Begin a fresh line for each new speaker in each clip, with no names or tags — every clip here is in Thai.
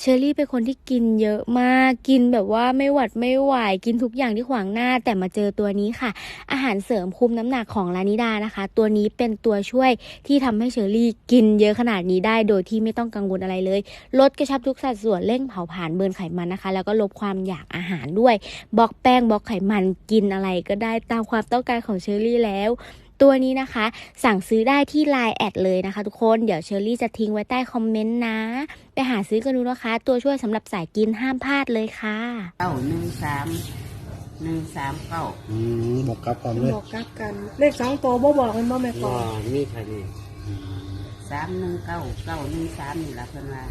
เชอรี่เป็นคนที่กินเยอะมากกินแบบว่าไม่หวัดไม่ไหวกินทุกอย่างที่ขวางหน้าแต่มาเจอตัวนี้ค่ะอาหารเสริมคุมน้ำหนักของลานิดานะคะตัวนี้เป็นตัวช่วยที่ทำให้เชอรี่กินเยอะขนาดนี้ได้โดยที่ไม่ต้องกังวลอะไรเลยลดกระชับทุกสัดส่วนเร่งเผาผลาญเบิร์นไขมันนะคะแล้วก็ลดความอยากอาหารด้วยบล็อกแป้งบล็อกไขมันกินอะไรก็ได้ตามความต้องการของเชอรี่แล้วตัวนี้นะคะสั่งซื้อได้ที่ LINE แอดเลยนะคะทุกคนเดี๋ยวเชอรี่จะทิ้งไว้ใต้คอมเมนต์นะไปหาซื้อกันดูนะคะตัวช่วยสำหรับสายกินห้ามพลาดเลยค่ะ
913
บอกกลับความเลย
บอกกลับกันเลข2ตัวบ่บอกมันบ่แม่ก่
ก็
อน
มีเท่านี้319 913นี่ล่ะเพิ่นว่า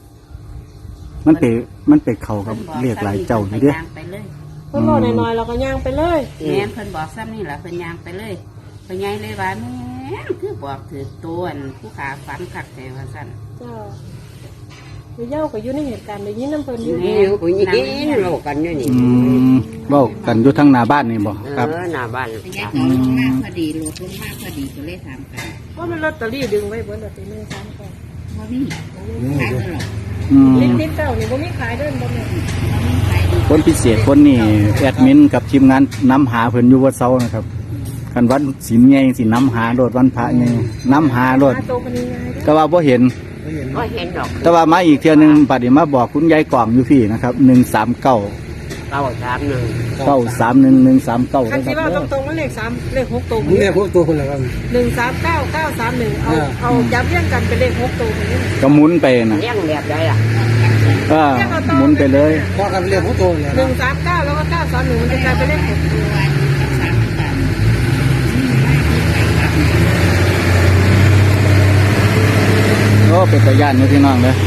มันไปเข้ากับเรียกหลายเจ้าอยู่เด้
ย่างไปเลย
เพิ่นบอกน้อยๆเราก็ย่างไปเลย
แม่นเพิ่นบอกซ้ำนี่ล่ะเพิ่นย่างไปเลยเพิ่นใหญ่เลยว่าแม่นคือบอกถือตัวผู้ขาฝันคักแต่ว่าซั่น
เจ้าไปเย้าก็อยู่ในเหตุการณ์ได้ยินน้ำเพิ่นอยู่
นี่ผู้หญิงโลกกันอยู่นี่
เว้ากันอยู่ทั้งหน้าบ้านนี่บ่ครับ
หน้าบ้านเป็นยังลงมากพอดีรถลงมากพอดีก็เลยถามกัน
ว่ามันลอตเตอรี่ดึงไว้เบิดลอตเตอรี่3ก่อน
ว่ามีขายตลอด
ลิ้นๆเจ้านี่บ่มีขายเด้อบ่แม่
คนพิเศษคนนี้แอดมินกับทีมงานนำหาเพิ่นอยู่วัดเซานะครับกันวันศีลใหญ่สินำหาโลดวันพระใหญ่นำหาโลด
โตปานนี้ไง
แต่ว่าบ่เห็น
ก็เห็นดอก
แต่ว่ามาอีกเทื่อนึงบัดนี้มาบอกคุณยายกล่องอยู่พี่นะครับ139
931
931 139
คัน
นะค
สิ
รับ
ว่าตรงๆมันเลข3เลข6ตัว
นี่แหละพวกตัวคนละครับ
139 931เอาย้ำเรียงกันเป็นเลข6ตัวนี้
ก็หมุนไปนะ
เลี้ยงแบบใดล่ะ
หมุนไปเลย
ก็กันเรียกผู้โตเลยนะ
139แล้วก็931มันจะกลายเป็นเลข6ตัว
โอ้เป็นตะย่านนี่พี่น้องเลย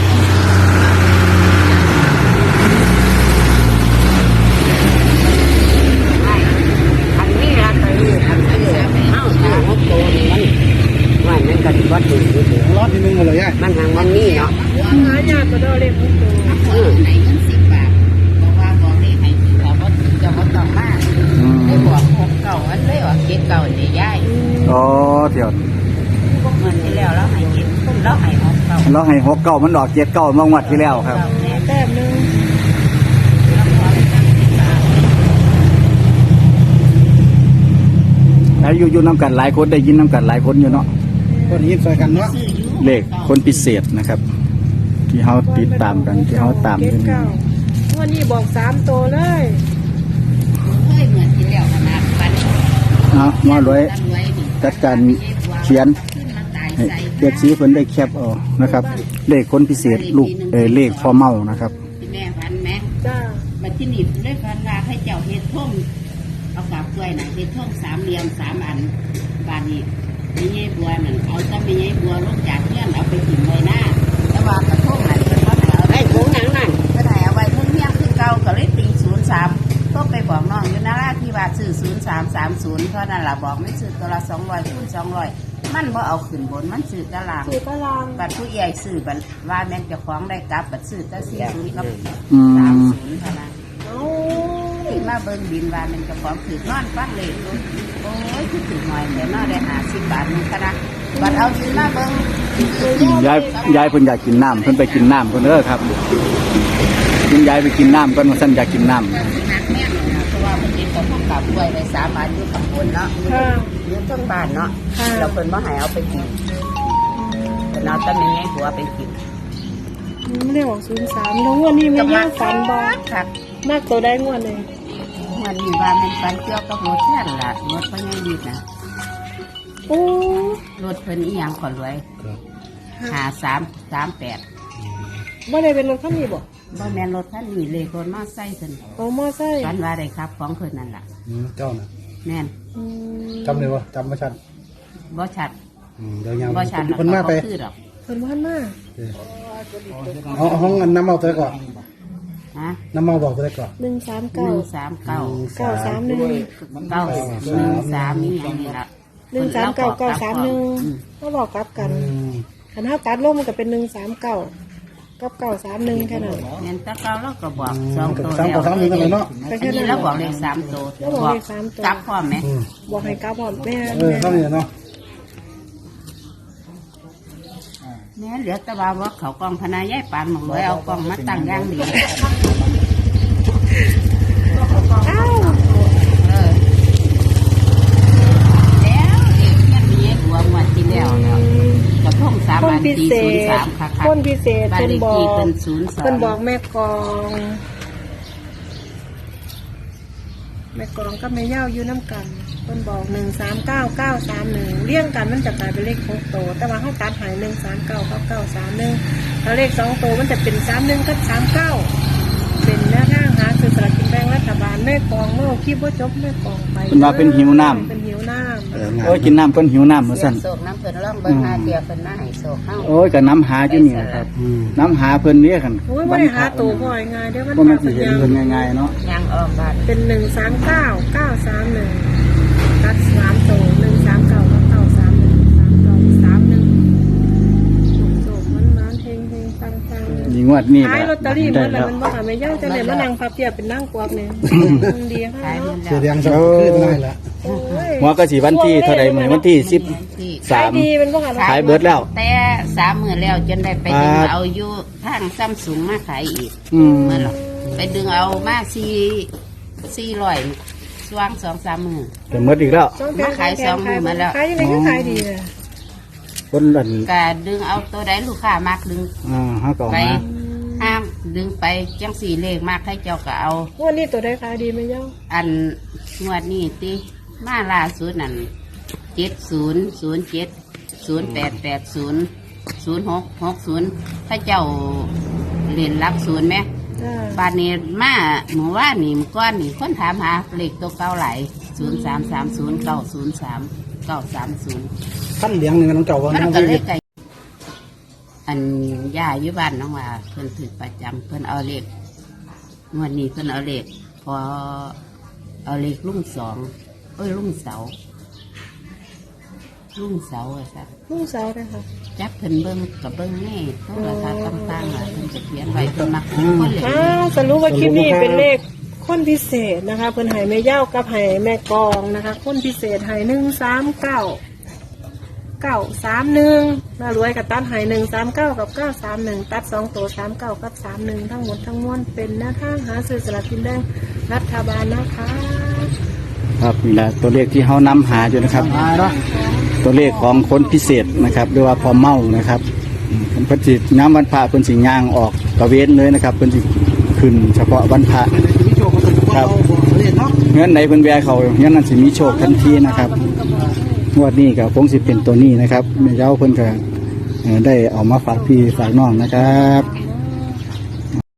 อันนี้ละตัวนี้อันนี้เอ้า6ตัวนี่มันก็สิบ่ถึง
รอดที่นึงเลยย่า
มันทางมันนี่เนาะ
หายากก็ได้เลข6ตัว
ให้เงิน10 บาทบอกว่าบอกเลขให้สิถ้าบ่ถึงจะบ่ต้องมาได้บอก6 9อันเลยว่า7 9นี่ยาย
อ๋อเดี๋ยว
เงินที่แล้วเราให้7เราให้6 9
เราให้69มันดอก79เมื่อวันที่แล้วครับ
แต้มนึง
แล้วอยู่น้ำกันหลายคนได้ยินน้ำกันหลายคนอยู่เนาะ
คนยินใส่กันเนาะ
เลขคนพิเศษนะครับ ที่เขาติดตามกันที่เขาตามกัน
วันนี้บอก3ตัวเลย
เฮ้ยเหมือนที่แล้วขนาดปัน
มาเลยจัดการเขียนให้เด็กสีเพิ่นได้แคปเอานะครับ เลขคนพิเศษลูกเลขพ่อเมานะครับ
ที่แม่พันแม่
จ้า
บัดที่นี่ด้วยพันว่าให้เจ้าเฮ็ดท่งเอากาบกล้วยน่ะเฮ็ดท่ง3 เหลี่ยม3 อันบานนี้มีไงบัวนั่นเอาจะมีไงบัวลงจากเพื่อนเอาไปถิ่มไว้หน้าแต่ว่ากระทงนั่นเพิ่นบ่ให้เอาได้ถุงหยังนั่นเพิ่นให้เอาไว้ทุ่งเฮียงคือเก่าก็เลยตี03ก็ไปบอกน้องอยู่นาราที่ว่าซื้อ0330เพราะนั่นล่ะบอกไม่ซื้อตัวละ200คูณ200มันบ่เอาขึ้นบนมันซื้อตาราง
สื่อตาราง
บัดผู้ใหญ่ซื้อบัดว่าแม่นเจ้าของได้กลับบัดซื้อแต่40กับ
อืม
30เท่านั้น
เอา
ที่มาเบิ่งบินว่าแม่นเจ้าของถือนอนฟังเลยโอ้ยคือถือหน่อยเดี๋ยวนอนได้50 บาทนึงค่ะนะบัดเอาบินมาเบิ่ง
ยายเพิ่นอยากกินน้ำเพิ่นไปกินน้ำเพิ่นเด้อครับคุณยายไปกินน้ำเพิ่นว่าซั่นอยากกินน้ำ
นักแม่นนะเพราะว่าเพิ่นเห็นเขาพวกกลับกล้วยไว้3 อันอยู่ข้างบนเนาะ
ค่ะ
อยู่เทั้งบ้านเนาะเราเพิ่นบ่ให้เอาไปกินเพิ่นเอาแต่แม่ใหญ่หัวไปกิน
ไม่ได้บอก03แล้วงวดนี้ไม่ย่างฝันบ่
ครับ
มากตัวได้งวดเลย
มันมีว่ามันฟันเกี่ยวกับรถแท่นล่ะรถเพิ่นยังดีนะ
โอ้
รถเพิ่นอีหยังขอรวย5338
บ่ได้เป็นรถคันนี้บ่
บ่แม่นรถคันนี้เลขรถมอไซค์เพิ่น
เอามอไซค์
ฝันว่าได้ครับของเพิ่นนั่นล่ะ
เจ้าน่ะ
แม่น
จำเลยวะจำไม่ชัด
บ่ชัด
เดี๋ยวยาว
บ่ชัด
คนมาไป
คือดอก
เพิ่นว่ามา
เอาห้องน้ำเมาตัวก่อน
ฮะ
น้ำเมาบอกตัวก่อน
139
139
931
913นี่หยังนี่ล่ะ
139 931เขาบอกกลับกันคันเฮาตัดลงมันก็เป็น139กับ931แค่นั้น
แม่นแตะเก่าเราก็บอก2 ตัว
สาม
แล้ว
ต่อสามนึงกันเลยเนาะ
ทีนี้เราบอกเลข3 ตัว
เราบอกเลข3ตัว
กลับพร้อมไหม
บอกให้กลับพร้อมแม่
เท่านี้เนาะ
ยแม่เหลือแต่ว่าเขากองพนายายปานหมองเลยเอากองมาตั้งอย่างดี
อ้าว
เออแล้วเด็กเนี่ยมีไอ้บัวงวดที่แล้วแล้วกระทง3
คน
อัน
พิ
ที่
เศษ
03ค่ะ
คนพิเศษ
บ้าน
เป็น
เลข
บอ
ที่
ก
เป็น
เป็นบอก
02
แม่กองก็แม่ย่าอยู่น้ำกันเป็นบอก139931เลี่ยงกันมันจะกลายเป็นเลข6โตวแต่ว่าเขาตัดหาย139กับ931แล้วเลข2โตวมันจะเป็น31กับ39เป็นแนวทางหาซื้อสลากกินแบ่งรัฐบาลแม่กองโลกที่บ่จบแม่กองไป
เป็นว่าเป็นหิวน้ำ
เป็นหิวน้ำ
โอ้ยกินน้ำเพิ่นหิวน้ำมาสั่น
โศกน้ำเพิ่นร่องเบิ่งหาเดียวเพิ่นมาให้โศกเฮา
โอ้ยก็น้ำหาอยู่นี่นะครับ น้ำหาเพิ่นเรียกกัน
โอ้ยไม่ได้หาตัวพ่อยง่ายเดี๋ยวมัน
บ่มันสิเห็นเพิ่นง่ายๆเนาะ
ยังออกบ้าน
เป็น139931ตัด3ตัว139กับ9313931โศกมันเฮงฟัง
นี่งวดนี้
ขายลอตเตอรี่
ได้
มัน
แล้ว
มันบ่หาไม่ย่างจะเลยมานั่งพับเพียบเป็นนั่งกวักเนี่ยดีค่ะ
ขายหม
เนาะ
ด
เสีย
แล้ว
แดงสองขึ้นได้ละ
โอ้ย
หัวก็สิวันที่เท่าใดมื้อวันที่
ที่
ขายดี
13
มันบ่หา
ขายเบิดแล้ว
แต่3 มื้อแล้วจนได้ไปดึง
ครับ
เอาอยู่ทางซัมซุงมาขายอีก
อืม
เมื่อหรอไปดึงเอามา400สว่าง2-3 มื้อ
แต่หมดอีกแล้ว
มาขายสองมื้อมาแล้ว
ขายยังไงก็ขายดีเลย
คนอัน
ก็ดึงเอาตัวใดลูกค้ามากดึง
เฮาก็เอา
ไป
มา
ห้ามดึงไปจังสี่เลขมากให้เจ้าก็เอา
วันนี้ตัวได้ขายดีไหมย่า
อันงวดนี้ติมาล่าสุดนั่น700708800660ถ้าเจ้าเรียนรับศูนย์ไหม
จ้า
บานนี้มาหมู่ว่านี่มื้อก้อนนี่คนถามหาเลขตัวเก่าไหล0330903930
ขั้นเลี้ยงหนึ่งน้องเก่าว่า
มัน
น้อง
ก็เล
วิ
ขไก่อันย่าอยู่บ้านน้องว่าเพิ่นถือประจำเพิ่นเอาเลขงวดนี้เพิ่นเอาเลขพอเอาเลขรุ่งสองรุ่งเสาอะสัก
ลูกสาวเลยค่ะ
จับเพิ่นเบิ่งกับเบิ่งแน่โทรทัศน์ต่างๆอ่ะเพิ่นจะเขียนไว้เพิ่นมักคนเลย
อ้าวสรุปว่าคลิปนี้เป็นเลขคนพิเศษนะคะเพิ่นให้แม่ย่ากับให้แม่กองนะคะคนพิเศษให้139 น่ารวยกับตัดหาย139กับ931ตัด2ตัว39กับ31ทั้งหมดทั้งมวลเป็นหน้าทางหาซื้อสลากกินแบ่งรัฐบาลนะคะ
ครับนี่แหละตัวเลขที่เฮานำหาอยู่นะครับ ตัวเลขของคนพิเศษนะครับหรือว่าพอเมานะครับเพิ่นสิน้ำวันพระเพิ่นสิย่างออกตะเวนเลยนะครับเพิ่นสิขึ้นเฉพาะวันพระ
มีโชคก็ต้องเอาเล่นเนาะ
เงื่อนไหนเพิ่นแวะเขาเงื่อนนั้นสิมีโชคทันทีนะครับงวดนี้ก็คงสิเป็นตัวนี้นะครับแม่เจ้าเพิ่นก็ได้เอามาฝากพี่ฝากน้องนะครับ